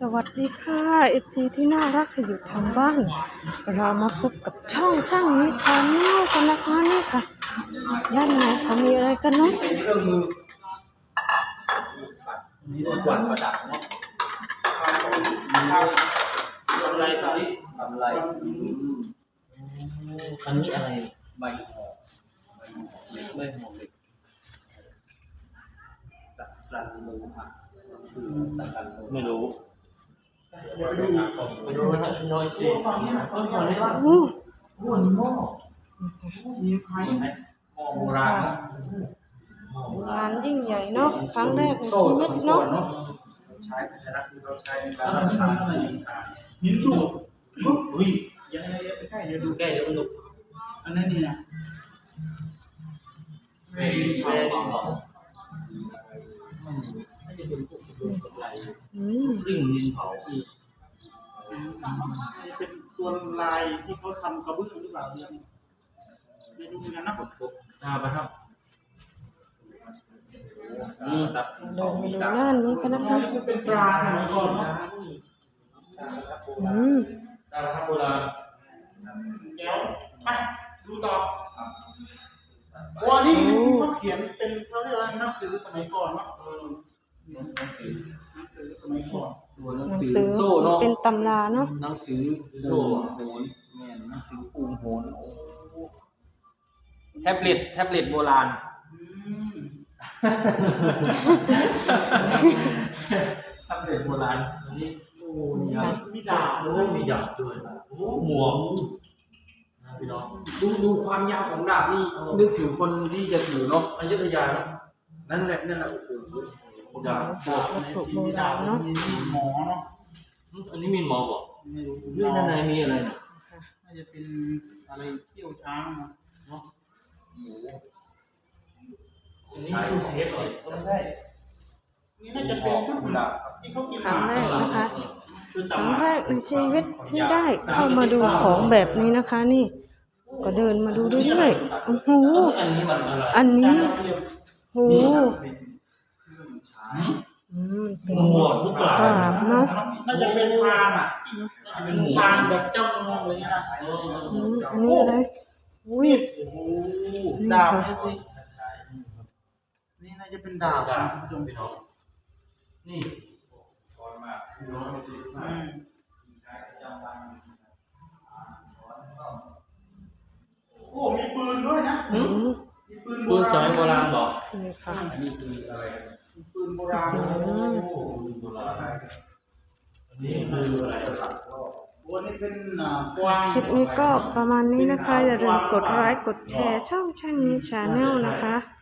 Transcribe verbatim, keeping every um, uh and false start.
วัสดีค่ะเอฟซีที่น่ารักที่อยู่ทางบ้านเรามาพบกับช่องช่างนี้ชาแนลกันนะคะนี่ค่ะด้านในเขามีอะไรกันเนาะนี่กวาดประดับเนาะทำไรสาลิทำไรอันนี้อะไรใบหอมใบหอมเหล็กตัดรันมือค่ะตัดรันมือไม่รู้ไปดูนะน้อยจีโอ้โหหม้อมีใครไหมหม้อโบราณงานยิ่งใหญ่เนาะครั้งแรกในชีวิตเนาะใช้ภาชนะที่เราใช้ในการทำอาหารนิ้วดูอุ้ยยังไงยังใกล้เดี๋ยวดูใกล้เดี๋ยวมันดูอันนั้นนี่นะเวทีเวทีเผาน่าจะเป็นพวกกระดูกกระไรซึ่งดินเผาอีกเป็นตัวลายที่เขาทำกระเบื้องหรือเปล่าเนี่ยไม่รู้เหมือนกันนะผมาไปครับเดินมาดูด้านนี้กันนะคะเป็นปลาสมัยก่อนเนาะอืมตาครับโบราณเดี๋ยวไปดูต่อวันนี้เขาเขียนเป็นเขาเรียกว่าหนังสือสมัยก่อนเนาะหนังสือสมัยก่อนหนังสือเป็นตำราเนาะหนังสือโซ่โหนแม่หนังสือปูโหนแท็บเล็ตแท็บเล็ตโบราณทำเด็กโบราณนี่โอ้ยมีดาบด้วยมีดาบด้วยโอ้หมวกนะพี่น้องดูดูความยาวของดาบนี่นึกถึงคนที่จะถือเนาะอยุธยาเนาะนั่นแหละนั่นแหละโอ้โหดาบถูกโบราณเนาะหมอเนาะอันนี้มีหมอบอกด้วยด้านในมีอะไรเนี่ยน่าจะเป็นอะไรเที่ยวช้างเนาะอันนี้ดูเซฟหน่อยต้องใช่นี่น่าจะเป็นชุดที่เขากินครั้งแรกนะคะครั้งแรกในชีวิตที่ได้เข้ามาดูของแบบนี้นะคะนี่ก็เดินมาดูเรื่อยๆโอ้โหอันนี้มันอะไรอันนี้โอ้โหอืมเป็นกราบเนาะน่าจะเป็นพานอ่ะเป็นพานแบบเจ้าเมืองอะไรเงี้ยนะอันนี้อะไรอุ้ยดาบนี่น่าจะเป็นดาบนะคุณผู้ชมนี่ก่อนมาโอ้มีปืนด้วยนะมีปืนปืนสมัยโบราณหรอนี่ค่ะนี่คืออะไรปืนโบราณโบราณนี่คืออะไรครับวันนี้เป็นกวางคลิปนี้ก็ประมาณนี้นะคะอย่าลืมกดไลค์กดแชร์ช่องช่างนี้ชาแนลนะคะ